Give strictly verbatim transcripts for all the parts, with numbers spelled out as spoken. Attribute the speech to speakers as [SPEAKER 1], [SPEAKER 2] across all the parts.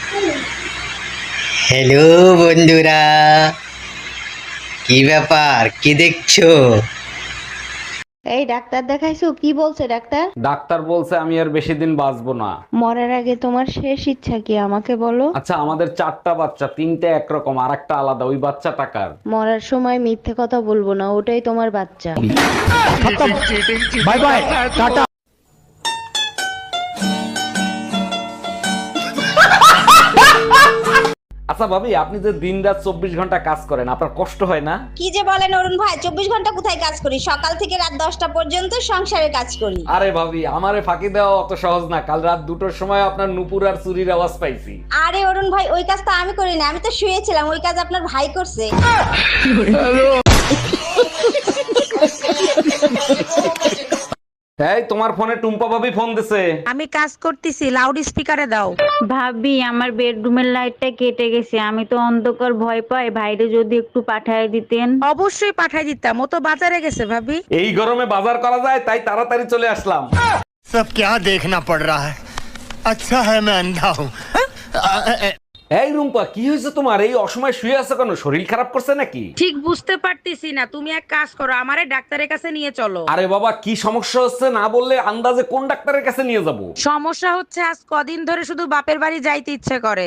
[SPEAKER 1] Hello বন্ধুরা, কি ব্যাপার, কি দেখছো?
[SPEAKER 2] এই ডাক্তার দেখাইছো? কি বলছে ডাক্তার?
[SPEAKER 3] ডাক্তার বলছে আমি আর বেশি দিন বাঁচবো না।
[SPEAKER 2] মরার আগে তোমার শেষ ইচ্ছা কি আমাকে বলো?
[SPEAKER 3] আচ্ছা, আমাদের চারটা বাচ্চা, তিনটে একরকম আর একটা আলাদা, ওই বাচ্চা টাকার।
[SPEAKER 2] মরার সময় মিথ্যে কথা বলবো না, ওটাই তোমার বাচ্চা।
[SPEAKER 3] Bye bye, tata. আচ্ছা ভাবি, আপনি যে দিন রাত চব্বিশ ঘন্টা কাজ করেন, আপনার কষ্ট হয় না?
[SPEAKER 4] কি যে বলেন অরুণ ভাই, চব্বিশ ঘন্টা কোথায় কাজ করি? সকাল থেকে রাত দশটা পর্যন্ত সংসারে কাজ করি।
[SPEAKER 3] আরে ভাবি, আমারে ফাঁকি দেওয়া অত সহজ না। কাল রাত দুটোর সময় আপনার নুপুর আর চুরির আওয়াজ পাইছি।
[SPEAKER 4] আরে অরুণ ভাই, ওই কাজ তো আমি করি না, আমি তো শুয়েছিলাম, ওই কাজ আপনার ভাই করছে।
[SPEAKER 3] এই তোমার ফোনে টুম্পা ভাবি ফোন দিছে।
[SPEAKER 5] আমি কাজ করতেছি, লাউড স্পিকারে দাও।
[SPEAKER 6] ভাবি আমার বেডরুমের লাইটটা কেটে গেছে, আমি তো অন্ধকার ভয় পাই, ভাইরে যদি একটু পাঠায় দিতেন।
[SPEAKER 5] অবশ্যই পাঠাই দিতাম, ও তো বাজারে গেছে ভাবি।
[SPEAKER 3] এই গরমে বাজার করা যায়, তাই তাড়াতাড়ি চলে আসলাম।
[SPEAKER 7] सब क्या देखना पड़ रहा है। अच्छा है मैं अंधा हूँ।
[SPEAKER 3] এই রুম্পা, কি হয়েছে তোমার? এই অসময় শুয়ে আছো কেন? শরীর খারাপ করছে নাকি?
[SPEAKER 5] ঠিক বুঝতে পারতেছি না, তুমি এক কাজ করো, আমারে ডাক্তারের কাছে নিয়ে চলো।
[SPEAKER 3] আরে বাবা, কি সমস্যা হচ্ছে না বললে আন্দাজে কোন ডাক্তারের কাছে নিয়ে যাব?
[SPEAKER 5] সমস্যা হচ্ছে আজ কদিন ধরে শুধু বাপের বাড়ি যাইতে ইচ্ছে করে।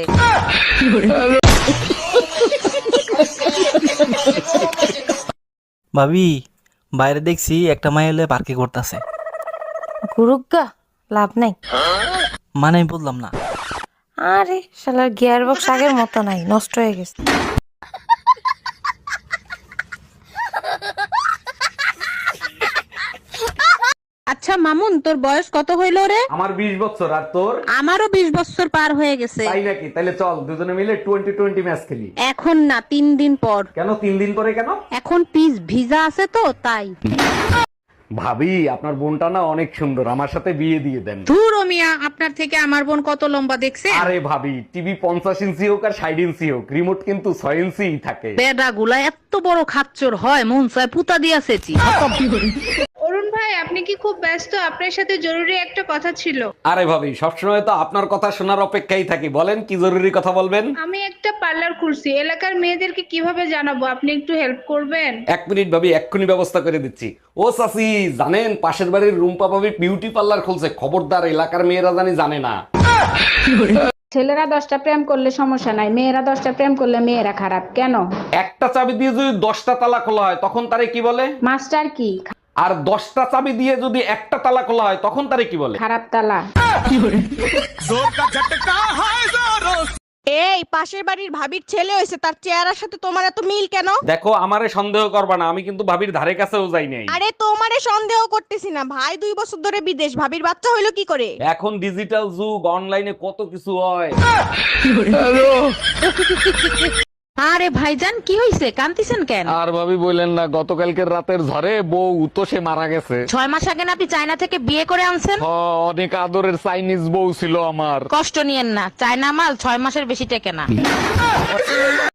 [SPEAKER 8] ভাবি, বাইরে দেখছি একটা মাই এলে পার্কে করতেছে।
[SPEAKER 9] গুরুগা লাভ নাই।
[SPEAKER 8] মানে আমি বললাম না।
[SPEAKER 9] আরে শালার গিয়ার বক্স আগের মতো নাই, নষ্ট হয়ে গেছে।
[SPEAKER 5] আচ্ছা মামুন, তোর বয়স কত হইল রে?
[SPEAKER 3] আমার বিশ বছর, আর তোর?
[SPEAKER 5] আমারও বিশ বছর পার হয়ে গেছে।
[SPEAKER 3] তাই নাকি? তাহলে চল দুজনে মিলে টোয়েন্টি টোয়েন্টি ম্যাচ খেলি।
[SPEAKER 5] এখন না, তিন দিন পর।
[SPEAKER 3] কেন তিন দিন পরে কেন?
[SPEAKER 5] এখন পিস ভিজা আছে তো তাই।
[SPEAKER 3] ভাবি, আপনার বোনটা না অনেক সুন্দর, আমার সাথে বিয়ে দিয়ে দেন।
[SPEAKER 5] ধুর ও মিয়া, আপনার থেকে আমার বোন কত লম্বা দেখছে?
[SPEAKER 3] আরে ভাবি, টিভি পঞ্চাশ ইঞ্চি হোক আর ষাট ইঞ্চি হোক, রিমোট কিন্তু ছয় ইঞ্চি থাকে।
[SPEAKER 5] বেডা গুলা এত বড় খাচ্চর হয়, মন চায় পুতা দিয়াছেছি।
[SPEAKER 10] অরুণ ভাই, আপনি কি খুব ব্যস্ত? আপনার সাথে জরুরি একটা কথা ছিল।
[SPEAKER 3] আরে ভাবি, সবসময় তো আপনার কথা শোনার অপেক্ষায় থাকি, বলেন কি জরুরি কথা বলবেন।
[SPEAKER 10] আমি একটা পার্লার খুলছি, এলাকার মেয়েদেরকে কিভাবে জানাবো, আপনি একটু হেল্প করবেন?
[SPEAKER 3] এক মিনিট ভাবি, এক্ষুনি ব্যবস্থা করে দিচ্ছি। ও চাচি, জানেন পাশের বাড়ির রুম্পা ভাবি বিউটি পার্লার খুলছে, খবরদার এলাকার মেয়েরা জানি জানে না।
[SPEAKER 10] ছেলেরা দশটা প্রেম করলে সমস্যা নাই, মেয়েরা দশটা প্রেম করলে মেয়েরা খারাপ কেন?
[SPEAKER 3] একটা চাবি দিয়ে যদি দশটা তালা খোলা হয়, তখন তারে কি বলে?
[SPEAKER 10] মাস্টার কি?
[SPEAKER 3] আর দশটা চাবি দিয়ে যদি একটা তালা খোলা হয়, তখন তারে কি বলে?
[SPEAKER 10] খারাপ তালা।
[SPEAKER 5] এই পাশের বাড়ির ভাবির ছেলে হয়েছে, তার চেহারার সাথে তোমার এত মিল কেন?
[SPEAKER 3] দেখো, আমারে সন্দেহ করবা না, আমি কিন্তু ভাবির ধারে কাছেও যাই নাই।
[SPEAKER 5] আরে তোমারে সন্দেহ করতেছি না, ভাই দুই বছর ধরে বিদেশ, ভাবির বাচ্চা হইলো কি করে?
[SPEAKER 3] এখন ডিজিটাল যুগ, অনলাইনে কত কিছু হয়।
[SPEAKER 5] আরে ভাইজান, কি হইছে, কান্তিছেন কেন?
[SPEAKER 3] আর ভাবি বললেন না, গতকালকের রাতের ঝড়ে বউ তো সে মারা গেছে।
[SPEAKER 5] ছয় মাস আগে না আপনি চায়না থেকে বিয়ে করে আনছেন?
[SPEAKER 3] হ, অনেক আদরের চাইনিজ বউ ছিল আমার।
[SPEAKER 5] কষ্ট নিয়েন না, চায়না মাল ছয় মাসের বেশি টেকে না।